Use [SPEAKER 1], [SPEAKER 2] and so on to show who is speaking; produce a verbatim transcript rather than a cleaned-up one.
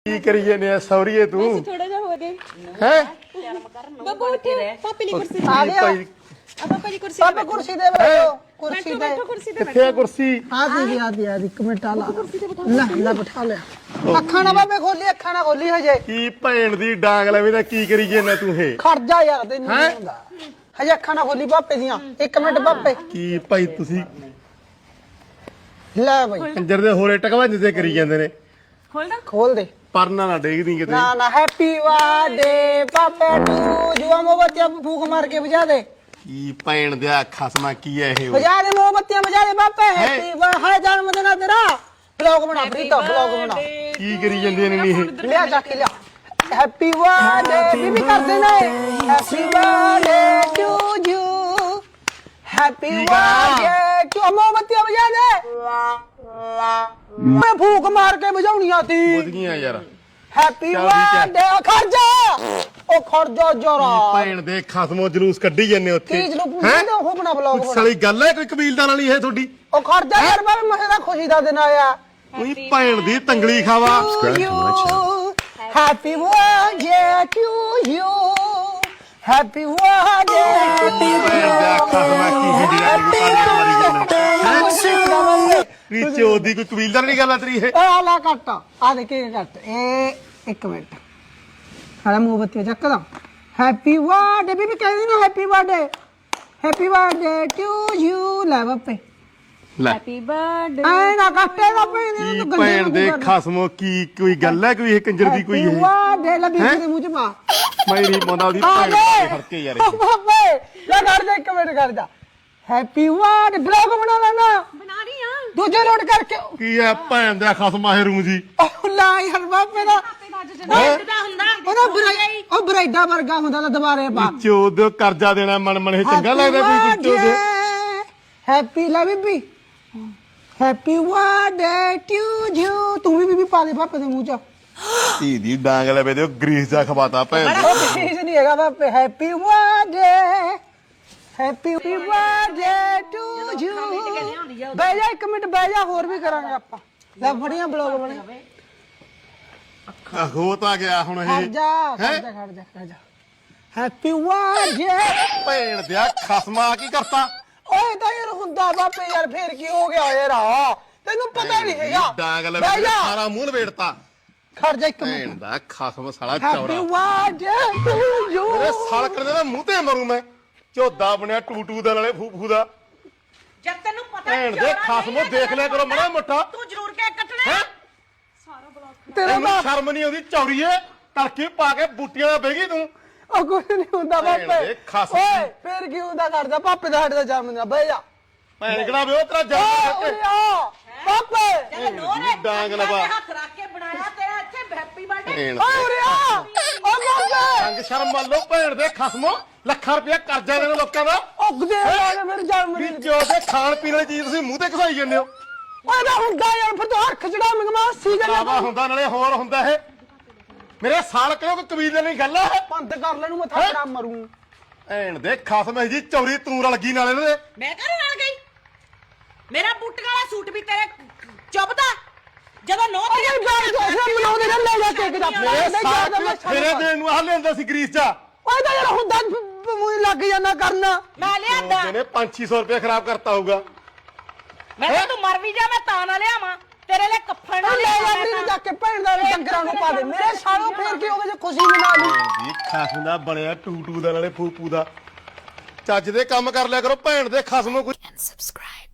[SPEAKER 1] ਕੀ ਕਰੀ ਜਾਂਦੇ ਆ ਸੌਰੀਏ ਤੂੰ
[SPEAKER 2] ਥੋੜਾ ਜਿਹਾ ਹੋ ਗਏ
[SPEAKER 1] ਹੈ
[SPEAKER 2] ਬਾਬੂ ਉੱਠੇ ਪਾਪੇ ਲਈ ਕੁਰਸੀ ਦੇ
[SPEAKER 1] ਆ ਭਾਈ
[SPEAKER 2] ਆ ਪਾਪਾ ਦੀ ਕੁਰਸੀ
[SPEAKER 3] ਪਾਪਾ ਕੁਰਸੀ ਦੇ ਬੈਠੋ ਕੁਰਸੀ
[SPEAKER 2] ਬੈਠੋ
[SPEAKER 3] ਤੇ
[SPEAKER 2] ਬੈਠੋ ਕੁਰਸੀ ਤੇ
[SPEAKER 1] ਕਿੱਥੇ ਆ ਕੁਰਸੀ
[SPEAKER 3] ਆ ਦੀ ਆ ਦੀ ਆ ਦੀ ਇੱਕ ਮਿੰਟ ਆ ਲਾ ਲੈ ਲੈ ਬਿਠਾ ਲਿਆ ਅੱਖਾਂ ਨਾ ਬਾਬੇ ਖੋਲੀ ਅੱਖਾਂ ਨਾ ਖੋਲੀ ਹਜੇ
[SPEAKER 1] ਕੀ ਭੈਣ ਦੀ ਡਾਂਗ ਲਵੇਂ ਤਾਂ ਕੀ ਕਰੀ ਜਾਂਦਾ ਤੂੰ ਇਹ
[SPEAKER 3] ਖੜ ਜਾ ਯਾਰ ਤੈਨੂੰ ਨਹੀਂ ਹੁੰਦਾ ਹਜੇ ਅੱਖਾਂ ਨਾ ਖੋਲੀ ਪਾਪੇ ਦੀਆਂ ਇੱਕ ਮਿੰਟ ਪਾਪੇ
[SPEAKER 1] ਕੀ ਭਾਈ ਤੁਸੀਂ
[SPEAKER 3] ਲੈ ਬਈ
[SPEAKER 1] ਕੰਜਰ ਦੇ ਹੋਰੇ ਟਕਵਾਂਜ ਤੇ ਕਰੀ ਜਾਂਦੇ ਨੇ
[SPEAKER 2] ਖੋਲਦਾ
[SPEAKER 3] ਖੋਲ ਦੇ
[SPEAKER 1] ਪਰਨਾ ਨਾ ਡੇਗਦੀ ਕਿਤੇ
[SPEAKER 3] ਨਾ ਨਾ ਹੈਪੀ ਬਰਥਡੇ ਪਾਪੇ ਟੂ ਜੁਆ ਮੋਮਬੱਤੀਆਂ ਫੂਕ ਮਾਰ ਕੇ ਵਜਾ ਦੇ
[SPEAKER 1] ਕੀ ਭੈਣ ਦਿਆ ਖਸਮਾ ਕੀ ਹੈ ਇਹ
[SPEAKER 3] ਵਜਾ ਦੇ ਮੋਮਬੱਤੀਆਂ ਵਜਾ ਦੇ ਪਾਪੇ ਹੈਪੀ ਬਰਥਡੇ ਜਨਮ ਦਿਨ ਆ ਤੇਰਾ ਬਲੌਗ ਬਣਾ ਪ੍ਰੀਤਾ ਬਲੌਗ ਬਣਾ
[SPEAKER 1] ਕੀ ਕਰੀ ਜਾਂਦੇ ਨੇ ਨੀ ਇਹ
[SPEAKER 3] ਲਿਆ ਜਾ ਕੇ ਲਿਆ ਹੈਪੀ ਬਰਥਡੇ ਬੀਬੀ ਕਰਦੇ ਨੇ happy birthday to you happy birthday to ਮੋਮਬੱਤੀਆਂ ਵਜਾ ਦੇ ਮੈਂ ਫੂਕ ਮਾਰ ਕੇ ਵਜਾਉਣੀਆਂ ਤੀ
[SPEAKER 1] ਬੁੱਝ ਗਈਆਂ ਯਾਰ
[SPEAKER 3] ਹੈਪੀ
[SPEAKER 1] ਚੱਲ ਠੀਕ ਹੈ।
[SPEAKER 3] ਬਰਥਡੇ ਖਰਜਾ ਉਹ ਖਰਜਾ ਜਰਾ
[SPEAKER 1] ਭੈਣ ਦੇ ਖਸਮੋ ਜਲੂਸ ਕੱਢੀ ਜਾਂਦੇ ਉੱਥੇ
[SPEAKER 3] ਤੀਜ ਨੂੰ ਪੁੱਛਦੇ ਤੇ ਉਹ ਬਣਾ ਬਲੌਗ
[SPEAKER 1] ਕੁਛ
[SPEAKER 3] ਬਣਾ
[SPEAKER 1] ਸਾਲੀ ਗੱਲ ਹੈ ਕੋਈ ਕਬੀਲਦਾਰ ਵਾਲੀ ਇਹ ਤੁਹਾਡੀ
[SPEAKER 3] ਉਹ ਖਰਜਾ ਯਾਰ ਬਾਬੇ ਮਹੇ ਦਾ ਖੁਸ਼ੀ ਦਾ ਦਿਨ ਆਇਆ
[SPEAKER 1] ਕੋਈ ਭੈਣ ਦੀ ਤੰਗਲੀ ਖਾਵਾ
[SPEAKER 3] happy birthday to you happy birthday
[SPEAKER 1] ਭੈਣ ਦਾ ਖਸਮਾ ਕੀ ਹੁੰਦੀ ਹੈ ਮਾਰੀ ਜਾਂਦੇ ਰੀਚੇ ਉਹਦੀ ਕੋਈ ਕਬੀਲਦਾਰ ਨਹੀਂ ਗੱਲ ਆ ਤੇਰੀ ਇਹ
[SPEAKER 3] ਆ ਲਾ ਕੱਟ ਆ ਦੇ ਕੇ ਕੱਟ ਇਹ ਇੱਕ ਮਿੰਟ ਹਾਲਾ ਮੋਮਬੱਤੀ ਚੱਕਦਾ ਹੈਪੀ ਬਰਥਡੇ ਬੀਬੀ ਕਹਿੰਦੀ ਨਾ happy birthday happy birthday to you ਲੈ ਬਾਪੇ
[SPEAKER 1] ਲੈ
[SPEAKER 2] ਹੈਪੀ ਬਰਥਡੇ
[SPEAKER 3] ਐ ਨਾ ਕੱਟੇ ਦਾ ਪੈਣੇ
[SPEAKER 1] ਕੀ ਭੈਣ ਦੇ ਖਸਮੋ ਕੀ ਕੋਈ ਗੱਲ ਹੈ ਕੋਈ ਇਹ ਕੰਜਰ ਦੀ ਕੋਈ ਇਹ
[SPEAKER 3] ਬਰਥਡੇ ਲੈ ਬੀਬੀ ਦੇ ਮੂੰਹ ਚ ਪਾ
[SPEAKER 1] ਮੇਰੀ ਮੋਨਾ ਦੀ
[SPEAKER 3] ਆ
[SPEAKER 1] ਭੈਣ
[SPEAKER 3] ਦੇ
[SPEAKER 1] ਦੇ ਫਰਕੇ ਯਾਰ
[SPEAKER 3] ਓ ਬਾਪੇ ਲੈ ਕਰ ਦੇ ਇੱਕ ਮਿੰਟ ਕਰ ਜਾ ਹੈਪੀ ਬਰਥਡੇ ਬਲੌਗ ਬਣਾ ਲੈਣਾ
[SPEAKER 2] ਬਣਾ ਰਹੀ ਆ
[SPEAKER 3] ਦੂਜੇ ਲੋਡ ਕਰਕੇ
[SPEAKER 1] ਕੀ ਹੈ ਭੈਣ ਦਾ ਖਸਮਾ ਇਹ ਰੂ ਜੀ
[SPEAKER 3] ਉਹ ਲਾ ਯਾਰ ਬਾਪੇ ਦਾ
[SPEAKER 2] ਬਰਥਡਾ ਹੁੰਦਾ
[SPEAKER 3] ਉਹਦਾ ਬਰਾਈ ਉਹ ਬਰਾਈਡਾ ਵਰਗਾ ਹੁੰਦਾ ਤਾਂ ਦੁਬਾਰੇ ਪਾ
[SPEAKER 1] ਚੋਦ ਕਰਜ਼ਾ ਦੇਣਾ ਮਨ ਮਨ ਇਹ ਚੰਗਾ ਲੱਗਦਾ ਕੋਈ ਕੁੱਤੇ ਦੇ
[SPEAKER 3] ਹੈਪੀ ਲਾ ਬੀਬੀ ਹੈਪੀ ਬਰਥਡੇ ਟੂ ਯੂ ਤੂੰ ਵੀ ਬੀਬੀ ਪਾ ਦੇ ਪਾਪੇ ਦੇ ਮੂੰਹ ਚ
[SPEAKER 1] ਧੀ ਦੀ ਡਾਂਗ ਲੈ ਬੇ ਗਰੀਸ ਦਾ ਖਵਾਤਾ ਭੈਣ ਦੇ।
[SPEAKER 3] ਉਹ ਚੀਜ਼ ਨਹੀਂ ਹੈਗਾ ਪਾਪੇ happy birthday happy birthday to you ਬਹਿ ਜਾ ਇੱਕ ਮਿੰਟ ਬਹਿ ਜਾ ਹੋਰ ਵੀ ਕਰਾਂਗੇ ਆਪਾਂ ਲੈ ਫੜੀਆਂ ਬਲੌਗ ਬਣੇ
[SPEAKER 1] ਹੋ ਤਾਂ ਗਿਆ ਹੁਣ
[SPEAKER 3] ਖੜ
[SPEAKER 1] ਇਹ
[SPEAKER 3] ਜਾ ਖੜ ਜਾ ਖੜ ਜਾ ਖੜ ਜਾ ਹੈਪੀ ਬਰਥਡੇ
[SPEAKER 1] ਭੈਣ ਦਿਆ ਖਸਮਾ ਕੀ ਕਰਤਾ
[SPEAKER 3] ਓਏ ਤਾਂ ਯਾਰ ਹੁੰਦਾ ਬਾਪੇ ਯਾਰ ਫੇਰ ਕੀ ਹੋ ਗਿਆ ਯਾਰ ਤੈਨੂੰ ਪਤਾ ਨਹੀਂ ਹੈਗਾ
[SPEAKER 1] ਡਾਂਗ ਲੈ
[SPEAKER 3] ਬਹਿ
[SPEAKER 1] ਬੇ
[SPEAKER 3] ਜਾ
[SPEAKER 1] ਸਾਰਾ ਮੂੰਹ ਲਪੇੜਤਾ
[SPEAKER 3] ਖੜ ਜਾ ਇੱਕ
[SPEAKER 1] ਭੈਣ
[SPEAKER 3] ਮਿੰਟ
[SPEAKER 1] ਦਾ ਖਸਮ ਸਾਲਾ
[SPEAKER 3] ਹੈਪੀ
[SPEAKER 1] ਚੌੜਾ
[SPEAKER 3] ਬਰਥਡੇ ਟੂ ਯੂ
[SPEAKER 1] ਮੇਰੇ ਸਾਲ ਕਰਦੇ ਦਾ ਮੂੰਹ ਤੇ ਮਰੂ ਮੈਂ ਝੋਦਾ ਬਣਿਆ ਟੂਟੂ ਦਾ ਨਾਲੇ ਫੂ ਫੂ ਦਾ
[SPEAKER 2] ਜਦ ਤੈਨੂੰ ਪਤਾ
[SPEAKER 1] ਭੈਣ ਦੇ ਖਸਮੋ ਦੇਖ ਲਿਆ ਕਰੋ ਮੜਾ ਮੋਟਾ
[SPEAKER 2] ਤੂੰ ਜ਼ਰੂਰ ਕੇਕ ਕੱਟਣਾ
[SPEAKER 1] ਹੈ
[SPEAKER 3] ਤੇਰਾ
[SPEAKER 1] ਤੈਨੂੰ ਸ਼ਰਮ ਨਹੀਂ ਆਉਂਦੀ ਚੌਰੀਏ ਤੜਕੇ ਪਾ ਕੇ ਬੂਟੀਆਂ ਦਾ ਬਹਿ ਗਈ ਤੂੰ
[SPEAKER 3] ਉਹ ਕੁਝ ਨਹੀਂ ਹੁੰਦਾ
[SPEAKER 1] ਭੈਣ
[SPEAKER 3] ਬਾਪੇ
[SPEAKER 1] ਦੇ ਖਸਮ।
[SPEAKER 3] ਓਏ ਫੇਰ ਕੀ ਹੁੰਦਾ ਕਰਦਾ ਪਾਪੇ ਦਾ ਸਾਡੇ ਦਾ ਜਨਮ ਦਿਨ ਆ, ਬਹਿ ਜਾ
[SPEAKER 1] ਭੈਣ ਕਿਹੜਾ ਵੇ ਉਹ ਤੇਰਾ
[SPEAKER 3] ਓਏ
[SPEAKER 1] ਜਨਮ
[SPEAKER 3] ਉਰੇ ਆ ਪਾਪੇ
[SPEAKER 2] ਜਦ ਨੋਰੇ
[SPEAKER 1] ਡਾਂਗ ਲਵਾ
[SPEAKER 2] ਹੱਥ ਰੱਖ ਕੇ ਬਣਾਇਆ ਤੇਰਾ ਇੱਥੇ ਹੈਪੀ ਬਰਥਡੇ
[SPEAKER 1] ਭੈਣ
[SPEAKER 3] ਓਏ ਉਰੇ ਆ ਓ ਬਾਪੇ
[SPEAKER 1] ਅੰਗ ਸ਼ਰਮ ਮੰਨ ਲਓ ਭੈਣ ਦੇ ਖਸਮੋ ਲੱਖਾਂ ਰੁਪਇਆ ਕਰਜ਼ਾ ਦੇਣ ਲੋਕਾਂ ਦਾ
[SPEAKER 3] ਉਗਦੇ ਆ ਮੇਰੇ ਜਨਮ
[SPEAKER 1] ਵੀ
[SPEAKER 3] ਦਿਨ
[SPEAKER 1] ਜੋ ਦੇ ਖਾਣ ਪੀਣ ਵਾਲੀ ਚੀਜ਼ ਤੁਸੀਂ ਮੂੰਹ ਤੇ ਘਸਾਈ ਜਾਂਦੇ ਹੋ
[SPEAKER 3] ਓਏ ਨਾ ਹੁੰਦਾ ਯਾਰ ਫਿਰ ਤੂੰ ਹੱਥ ਚੜਾ ਮੰਗਵਾ ਸੀ
[SPEAKER 1] ਲਾਵਾ ਹੁੰਦਾ ਨਾਲੇ ਹੋਰ ਹੁੰਦਾ ਇਹ ਮੇਰੇ ਸਾਲ ਕਿਉਂ ਕੋਈ ਕਬੀਲੇ ਨਹੀਂ ਗੱਲ ਹੈ
[SPEAKER 3] ਬੰਦ ਕਰ ਲੈ ਨੂੰ ਮੈਂ ਥਾਪੜਾ ਮਰੂੰ
[SPEAKER 1] ਭੈਣ ਦੇ ਖਸਮ ਜੀ ਚੌਰੀ ਤੂੰ ਰਲ ਗਈ ਨਾਲੇ ਇਹਦੇ
[SPEAKER 2] ਮੈਂ ਘਰੇ ਨਾਲ ਗਈ ਮੇਰਾ ਬੂਟੀਆਂ ਵਾਲਾ ਸੂਟ ਵੀ ਤੇਰੇ ਚੁੱਭਦਾ ਜਦੋਂ ਨੋ
[SPEAKER 3] ਓਏ ਜਾਨ ਜੋ ਸੇ ਮਨਾਉਂਦੇ ਨੇ ਲੈ ਜਾ ਕੇਕ ਦਾ
[SPEAKER 1] ਮੇਰੇ
[SPEAKER 3] ਮੇਰੇ
[SPEAKER 1] ਸਾਲ
[SPEAKER 3] ਮੈਂ
[SPEAKER 1] ਫੇਰੇ ਦੇਣ ਨੂੰ ਆ ਲੈਂਦਾ ਸੀ ਗਰੀਸ ਚ
[SPEAKER 3] ਓਏ ਤਾਂ ਯਾਰ ਹੁੰਦਾ ਮੂੰਹ ਲੱਗ ਜਾਂਦਾ ਕਰਨਾ
[SPEAKER 2] ਮੈਂ ਲਿਆਂਦਾ
[SPEAKER 1] ਉਹਨੇ ਪੰਜ ਛੇ ਸੌ ਰੁਪਏ ਖਰਾਬ ਕਰਤਾ ਹੋਊਗਾ
[SPEAKER 2] ਮੈਂ ਕਿਹਾ ਤੂੰ ਮਰ ਵੀ ਜਾ ਮੈਂ ਤਾਂ ਨਾ ਲਿਆਵਾਂ ਤੇਰੇ ਲਈ ਕੱਫਣ ਨਾ
[SPEAKER 3] ਲੈ ਜਾ ਮੈਨੂੰ ਜਾ ਕੇ ਭੈਣ ਦਾ ਡੰਗਰਾਂ ਨੂੰ ਪਾ ਦੇ ਮੇਰੇ ਸਾਲੋਂ ਫੇਰ ਕੀ ਹੋਵੇ ਜੇ ਖੁਸ਼ੀ ਮਨਾ ਲਈ
[SPEAKER 1] ਜੀ ਖਸਮ ਦਾ ਬਣਿਆ ਟੂਟੂ ਦਾ ਨਾਲੇ ਫੂਪੂ ਦਾ ਚੱਜ ਦੇ ਕੰਮ ਕਰ ਲਿਆ ਕਰੋ ਭੈਣ ਦੇ ਖਸਮੋ ਕੋਈ
[SPEAKER 4] and subscribe.